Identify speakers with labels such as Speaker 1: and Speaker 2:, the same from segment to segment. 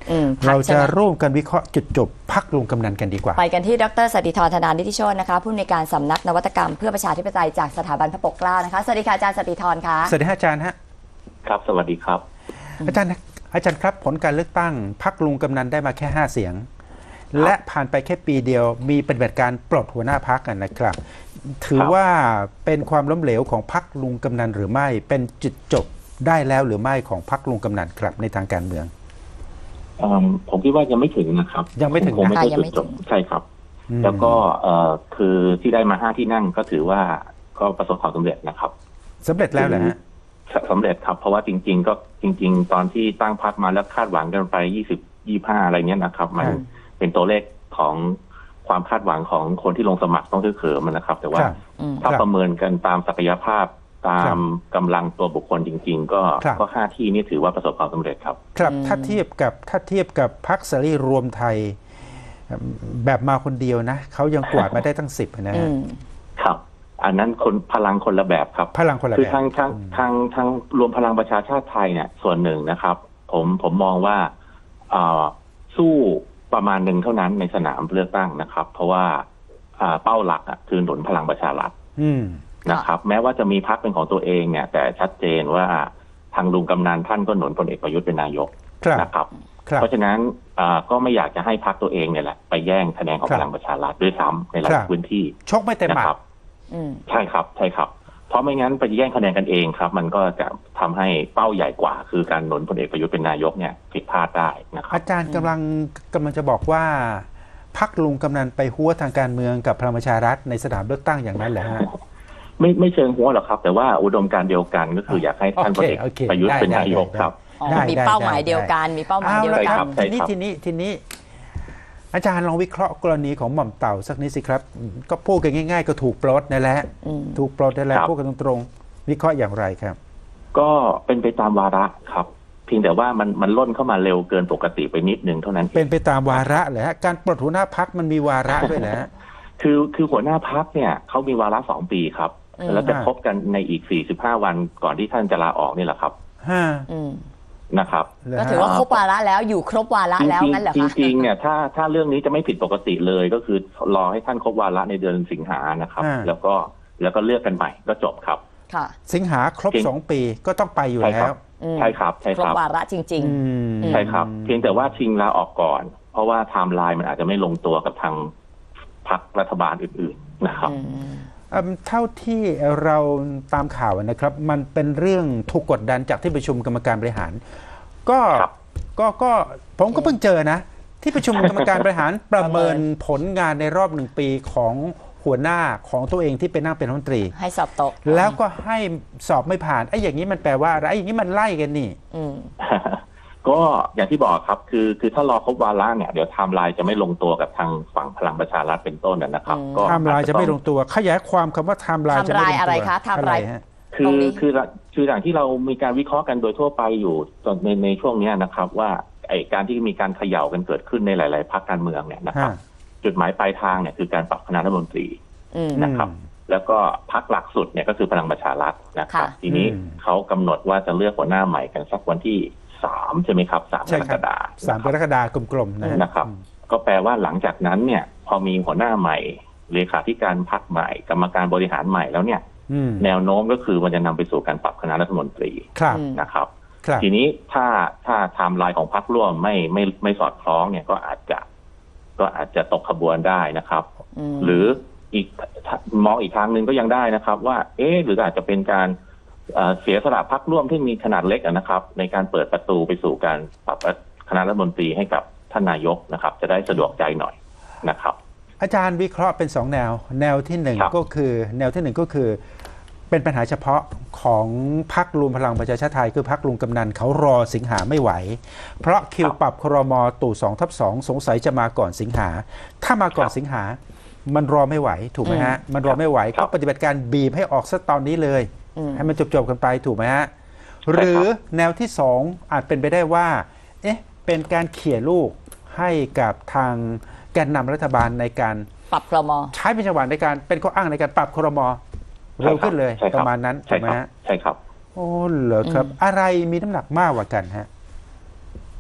Speaker 1: เราจะร่วมกันวิเคราะห์จุดจบพรรคลุงกำนันกันดีกว่า
Speaker 2: ไปกันที่ดร.สนติธร ธนานิติโชตินะคะผู้อำนวยการสำนักนวัตกรรมเพื่อประชาธิปไตยจากสถาบันพระปกเกล้านะคะสวัสดีค่ะอาจารย์สนติธรค่ะ
Speaker 1: สวัสดีอาจารย์ฮะ
Speaker 3: ครับสวัสดีครับ
Speaker 1: อาจารย์ครับผลการเลือกตั้งพรรคลุงกำนันได้มาแค่5 เสียงและผ่านไปแค่ปีเดียวมีปฏิบัติการปลดหัวหน้าพรรคกันนะครับถือว่าเป็นความล้มเหลวของพรรคลุงกำนันหรือไม่เป็นจุดจบได้แล้วหรือไม่ของพรรคลุงกำนันครับในทางการเมือง
Speaker 3: ผมคิดว่ายังไม่ถึงนะครับ
Speaker 1: ยังไม่ถึง
Speaker 3: คงไม่ใช่จุดจบใช่ครับแล้วก็คือที่ได้มา5 ที่นั่งก็ถือว่าก็ประสบความสำเร็จนะครับ
Speaker 1: สำเร็จแล้วเหรอฮะ
Speaker 3: สำเร็จครับเพราะว่าจริงตอนที่ตั้งพรรคมาแล้วคาดหวังกันไป20-25อะไรเงี้ยนะครับมันเป็นตัวเลขของความคาดหวังของคนที่ลงสมัครต้องเขิมนะครับ แต่ว่าถ้าประเมินกันตามศักยภาพตามกำลังตัวบุคคลจริงๆก็5 ที่นี่ถือว่าประสบความสำเร็จครับ
Speaker 1: ครับถ้าเทียบกับพรรคเสรีรวมไทยแบบมาคนเดียวนะเขายังกวาดมาได้ตั้ง10
Speaker 3: นะครับอันนั้นพลังคนละแบบครับ
Speaker 1: พลังคนละแบบ
Speaker 3: คือทางรวมพลังประชาชาติไทยเนี่ยส่วนหนึ่งนะครับผมมองว่าสู้ประมาณหนึ่งเท่านั้นในสนามเลือกตั้งนะครับเพราะว่าเป้าหลักคือหนุนพลังประชารัฐนะครับแม้ว่าจะมีพรรคเป็นของตัวเองเนี่ยแต่ชัดเจนว่าทางลุงกำนันท่านก็หนุนพลเอกประยุทธ์เป็นนายกนะครับเพราะฉะนั้นก็ไม่อยากจะให้พรรคตัวเองเนี่ยแหละไปแย่งคะแนนของพลังประชารัฐด้วยซ้ำในหลายพื้นที่
Speaker 1: ชกไม่เต็มหมัด
Speaker 3: ใช่ครับเพราะไม่งั้นไปแย่งคะแนนกันเองครับมันก็จะทำให้เป้าใหญ่กว่าคือการหนุนพลเอกประยุทธ์เป็นนายกเนี่ยผิดพลาดได้นะครับ
Speaker 1: อาจารย์กำลังจะบอกว่าพรรคลุงกำนันไปหัวทางการเมืองกับพลังประชารัฐในสนามเลือกตั้งอย่างนั้นเหรอฮะ
Speaker 3: ไม่เชิงหัวหรอกครับแต่ว่าอุดมการณ์เดียวกันก็คืออยากให้ท่านพลเอกประยุทธ์เป็นนายกครับ
Speaker 2: มีเป้าหมายเดียวกันมีเป้าหมายเดียวกัน
Speaker 1: ทีนี้อาจารย์ลองวิเคราะห์กรณีของหม่อมเต่าสักนิดสิครับก็พูดกันง่ายๆก็ถูกปลดนั่นแหละถูกปลดนั่นแหละพูดกันตรงๆวิเคราะห์อย่างไรครับ
Speaker 3: ก็เป็นไปตามวาระครับเพียงแต่ว่ามันล่นเข้ามาเร็วเกินปกติไปนิดนึงเท่านั้น
Speaker 1: เป็นไปตามวาระเหรอฮะการปลดหัวหน้าพรรคมันมีวาระด้วยนะ
Speaker 3: คือหัวหน้าพรรคเนี่ยเขามีวาระ2 ปีครับแล้วจะพบกันในอีก45 วันก่อนที่ท่านจะลาออกนี่แหละครับนะครับ
Speaker 2: ก็ถือว่าครบวาระแล้วอยู่ครบวาระแล้วงั้นเหรอคะ
Speaker 3: จริงๆเนี่ยถ้าเรื่องนี้จะไม่ผิดปกติเลยก็คือรอให้ท่านครบวาระในเดือนสิงหานะครับแล้วก็เลือกกันใหม่ก็จบครับ
Speaker 1: ค่ะสิงหาครบ2 ปีก็ต้องไปอยู่แล้ว
Speaker 3: ใช่ครับ
Speaker 2: ครบวาระจริง
Speaker 3: ๆใช่ครับเพียงแต่ว่าชิงลาออกก่อนเพราะว่าไทม์ไลน์มันอาจจะไม่ลงตัวกับทางพรรครัฐบาลอื่นๆนะครับ
Speaker 1: เท่าที่เราตามข่าวนะครับมันเป็นเรื่องถูกกดดันจากที่ประชุมกรรมการบริหารก็ผมก็เพิ่งเจอนะที่ประชุมกรรมการบริหารประเมินผลงานในรอบ1 ปีของหัวหน้าของตัวเองที่เป็นนั่งเป็นรัฐมนตรี
Speaker 2: ให้สอบตก
Speaker 1: แล้วก็ให้สอบไม่ผ่านไอ้อย่างนี้มันแปลว่าอะไรไอ้อย่างนี้มันไล่กันนี่
Speaker 3: ก็อย่างที่บอกครับคือถ้ารอครบวาระเนี่ยเดี๋ยวไทม์ไลน์จะไม่ลงตัวกับทางฝั่งพลังประชารัฐเป็นต้นนะครับ
Speaker 1: ก็ไทม์ไลน์จะไม่ลงตัวขยายความคำว่าไทม์ไลน์จะไม่ลงตัว
Speaker 2: อะไรคะไทม์ไลน์
Speaker 3: คืออย่างที่เรามีการวิเคราะห์กันโดยทั่วไปอยู่ในช่วงนี้นะครับว่าไอ้การที่มีการเขย่ากันเกิดขึ้นในหลายๆพรรคการเมืองเนี่ยนะครับจุดหมายปลายทางเนี่ยคือการปรับคณะรัฐมนตรีนะครับแล้วก็พรรคหลักสุดเนี่ยก็คือพลังประชารัฐนะครับทีนี้เขากำหนดว่าจะเลือกหัวหน้าใหม่กันสักวันที่3ใช่ไหมครับ3 กรกฎาคม
Speaker 1: 3 กรกฎาคมกลมๆ
Speaker 3: นะครับก็แปลว่าหลังจากนั้นเนี่ยพอมีหัวหน้าใหม่เลขาธิการพรรคใหม่กรรมการบริหารใหม่แล้วเนี่ยแนวโน้มก็คือมันจะนำไปสู่การปรับคณะรัฐมนตรีนะครับทีนี้ถ้าไทม์ไลน์ของพรรคร่วมไม่สอดคล้องเนี่ยก็อาจจะตกขบวนได้นะครับหรืออีกมองอีกทางหนึ่งก็ยังได้นะครับว่าหรืออาจจะเป็นการเสียสละพรรคร่วมที่มีขนาดเล็กนะครับในการเปิดประตูไปสู่การปรับคณะรัฐมนตรีให้กับท่านนายกนะครับจะได้สะดวกใจหน่อยนะครับ
Speaker 1: อาจารย์วิเคราะห์เป็น2 แนวที่1ก็คือเป็นปัญหาเฉพาะของพรรครวมพลังประชาชาติไทยคือพรรคลุงกำนันเขารอสิงหาไม่ไหวเพราะคิวปรับครม.ตู่ 2/2 สงสัยจะมาก่อนสิงหาถ้ามาก่อนสิงหามันรอไม่ไหวถูกไหมฮะมันรอไม่ไหวก็ปฏิบัติการบีบให้ออกซะตอนนี้เลยให้มันจบกันไปถูกไหมฮะหรือแนวที่2อาจเป็นไปได้ว่าเป็นการเขี่ยลูกให้กับทางแกนนำรัฐบาลในการ
Speaker 2: ปรับครม.
Speaker 1: ใช้เป็นจังหวะในการเป็นข้ออ้างในการปรับครม.เร็วขึ้นเลยประมาณนั้นถูกไหมฮะ
Speaker 3: ใช่ครับ
Speaker 1: โอ้เหรอครับอะไรมีน้ำหนักมากกว่ากันฮะ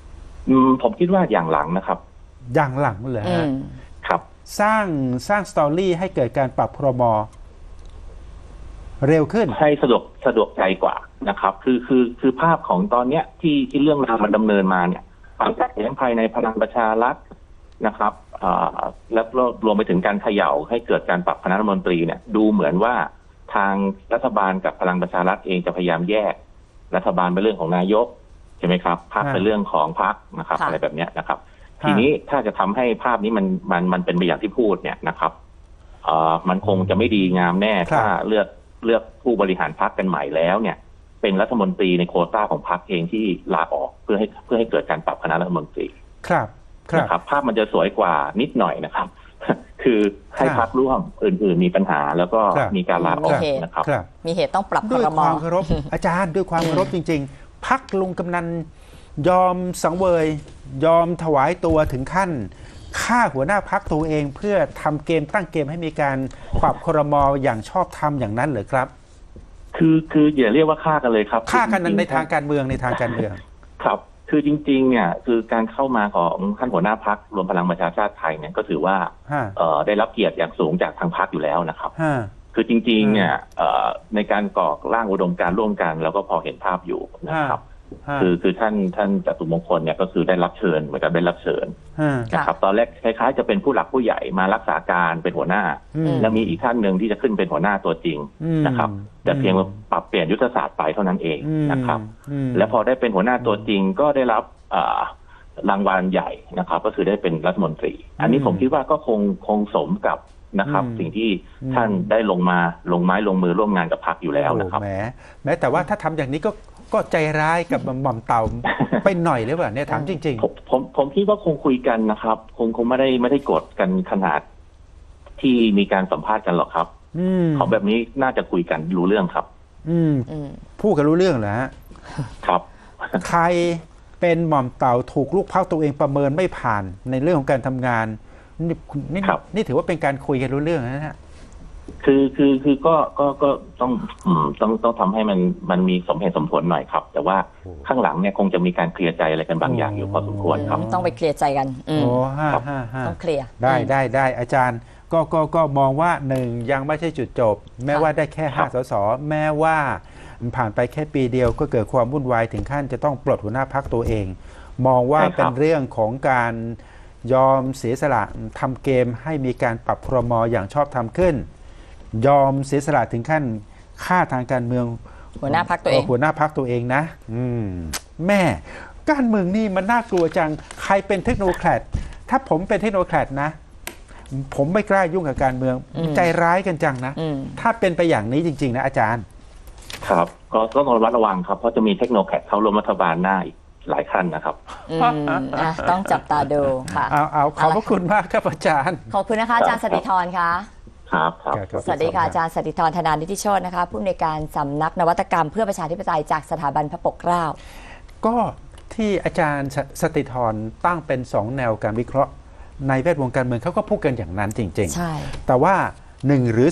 Speaker 3: ผมคิดว่าอย่างหลังนะครับ
Speaker 1: อย่างหลังเลย
Speaker 3: ครับ
Speaker 1: สร้างสตอรี่ให้เกิดการปรับครม.เร็วขึ้น
Speaker 3: ให้สะดวกใจกว่านะครับคือภาพของตอนเนี้ยที่เรื่องราวมันดำเนินมาเนี่ยความขัดแย้งภายในพลังประชารัฐนะครับแล้วรวมไปถึงการเขย่าให้เกิดการปรับคณะรัฐมนตรีเนี่ยดูเหมือนว่าทางรัฐบาลกับพลังประชารัฐเองจะพยายามแยกรัฐบาลเป็นเรื่องของนายกใช่ไหมครับพรรคเป็นเรื่องของพรรคนะครับอะไรแบบเนี้ยนะครับทีนี้ถ้าจะทำให้ภาพนี้มันเป็นไปอย่างที่พูดเนี่ยนะครับมันคงจะไม่ดีงามแน่ถ้าเลือกผู้บริหารพรรคกันใหม่แล้วเนี่ยเป็นรัฐมนตรีในโควต้าของพรรคเองที่ลาออกเพื่อให้เกิดการปรับคณะรัฐมนตรี
Speaker 1: ครับ
Speaker 3: นะครับภาพมันจะสวยกว่านิดหน่อยนะครับ คือให้พรรคร่วมอื่นๆมีปัญหาแล้วก็มีการลาออกนะครับ
Speaker 2: มีเหตุต้องปรับ
Speaker 1: ด้วยความเคารพอาจารย์ด้วยความเคารพจริงๆพรรคลุงกำนันยอมสังเวยยอมถวายตัวถึงขั้นฆ่าหัวหน้าพรรคตัวเองเพื่อทำเกมตั้งเกมให้มีการปรับครม.อย่างชอบธรรมอย่างนั้นเหรอครับ
Speaker 3: คืออย่าเรียกว่าฆ่ากันเลยครับ
Speaker 1: ฆ่ากันในทางการเมือง
Speaker 3: ครับคือจริงๆเนี่ยคือการเข้ามาของท่านหัวหน้าพรรครวมพลังประชาชาติไทยเนี่ยก็ถือว่าได้รับเกียรติอย่างสูงจากทางพรรคอยู่แล้วนะครับคือจริงๆเนี่ยในการก่อร่างอุดมการณ์ร่วมกันเราก็พอเห็นภาพอยู่นะครับคือท่านจตุมงคลเนี่ยก็คือได้รับเชิญเหมือนกับได้รับเชิญนะครับตอนแรกคล้ายๆจะเป็นผู้หลักผู้ใหญ่มารักษาการเป็นหัวหน้าแล้วมีอีกท่านหนึ่งที่จะขึ้นเป็นหัวหน้าตัวจริงนะครับแต่เพียงปรับเปลี่ยนยุทธศาสตร์ไปเท่านั้นเองนะครับแล้วพอได้เป็นหัวหน้าตัวจริงก็ได้รับรางวัลใหญ่นะครับก็คือได้เป็นรัฐมนตรีอันนี้ผมคิดว่าก็คงสมกับนะครับสิ่งที่ท่านได้ลงไม้ลงมือร่วมงานกับพรรคอยู่แล้วนะครับ
Speaker 1: แม้แต่ว่าถ้าทำอย่างนี้ก็ใจร้ายกับหม่อมเต่าไปหน่อยหรือเปล่าเนี่ยถามจริง
Speaker 3: ๆผมคิดว่าคงคุยกันนะครับคงไม่ได้กดกันขนาดที่มีการสัมภาษณ์กันหรอกครับของแบบนี้น่าจะคุยกันรู้เรื่องครับ
Speaker 1: พูดกันรู้เรื่องเหรอฮะ
Speaker 3: ครับ
Speaker 1: ใครเป็นหม่อมเต่าถูกลูกพรรคตัวเองประเมินไม่ผ่านในเรื่องของการทำงานนี่ถือว่าเป็นการคุยกันรู้เรื่องนะฮะ
Speaker 3: คือก็ต้องทำให้มันมีสมเหตุสมผลหน่อยครับแต่ว่าข้างหลังเนี่ยคงจะมีการเคลียร์ใจอะไรกันบางอย่างอยู่พอสมควรครับ
Speaker 2: ต้องไปเคลียร์ใจกันต้องเคลียร์
Speaker 1: ได้อาจารย์ก็มองว่าหนึ่งยังไม่ใช่จุดจบแม้ว่าได้แค่5 สสแม้ว่าผ่านไปแค่ปีเดียวก็เกิดความวุ่นวายถึงขั้นจะต้องปลดหัวหน้าพรรคตัวเองมองว่าเป็นเรื่องของการยอมเสียสละทำเกมให้มีการปรับครม.อย่างชอบธรรมขึ้นยอมเสียสละถึงขั้นฆ่าทางการเมือง
Speaker 2: หัวหน้าพรรคตัว
Speaker 1: เองนะแม่การเมืองนี่มันน่ากลัวจังใครเป็นเทคโนแครดถ้าผมเป็นเทคโนแครดนะผมไม่กล้ายุ่งกับการเมืองใจร้ายกันจังนะถ้าเป็นไปอย่างนี้จริงๆนะอาจารย์
Speaker 3: ครับก็ต้องระมัดระวังครับเพราะจะมีเทคโนแครดเข้าร่วมรัฐบาลหน้าอีกหลายขั้นนะครับ
Speaker 2: ต้องจับตาดูค่ะ
Speaker 1: เอาขอบพระคุณมากครับอาจารย์
Speaker 2: ขอบคุณนะคะอาจารย์สติธรค่ะ
Speaker 3: ครับ
Speaker 2: สวัสดีค่ะอาจารย์สติธร ธนานิติโชตินะคะผู้อำนวยการสำนักนวัตกรรมเพื่อประชาธิปไตยจากสถาบันพระปกเกล้า
Speaker 1: ก็ที่อาจารย์สติธรตั้งเป็น2แนวการวิเคราะห์ในแวดวงการเมืองเขาก็พูดกันอย่างนั้นจริง
Speaker 2: ๆใช่
Speaker 1: แต่ว่า1หรือ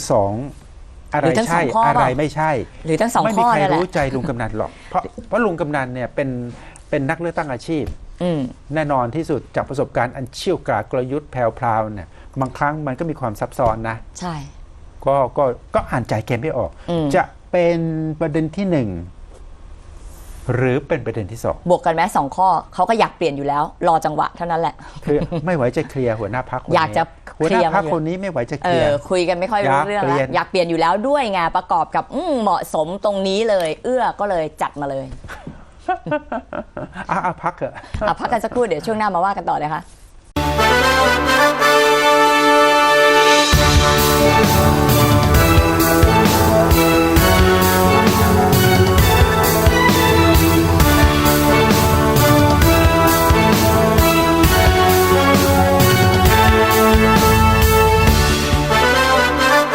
Speaker 1: 2อะไรใช่อะไรไม่ใช่
Speaker 2: หรือทั้ง2ข้อ
Speaker 1: ไม่มีใครรู้ใจลุงกำนันหรอกเพราะลุงกำนันเนี่ยเป็นนักเลือกตั้งอาชีพแน่นอนที่สุดจากประสบการณ์อันเชี่ยวกรากกลยุทธ์แพรวๆเนี่ยบางครั้งมันก็มีความซับซ้อนนะ
Speaker 2: ใช่
Speaker 1: ก็อ่านใจเกมไม่ออกจะเป็นประเด็นที่1หรือเป็นประเด็นที่2
Speaker 2: บวกกันไหม2ข้อเขาก็อยากเปลี่ยนอยู่แล้วรอจังหวะเท่านั้นแหละ
Speaker 1: คือไม่ไหวจะเคลียร์หัวหน้าพรรค
Speaker 2: อยากจะ
Speaker 1: หัวหน้าพรรคคนนี้ไม่ไหวจะเคลียร์
Speaker 2: คุยกันไม่ค่อยรู้เรื่องแล้วอยากเปลี่ยนอยู่แล้วด้วยไงประกอบกับเหมาะสมตรงนี้เลยก็เลยจัดมาเลย
Speaker 1: พักเถอะ
Speaker 2: พักกันสักครู่เดี๋ยวช่วงหน้ามาว่ากันต่อเลยค่ะ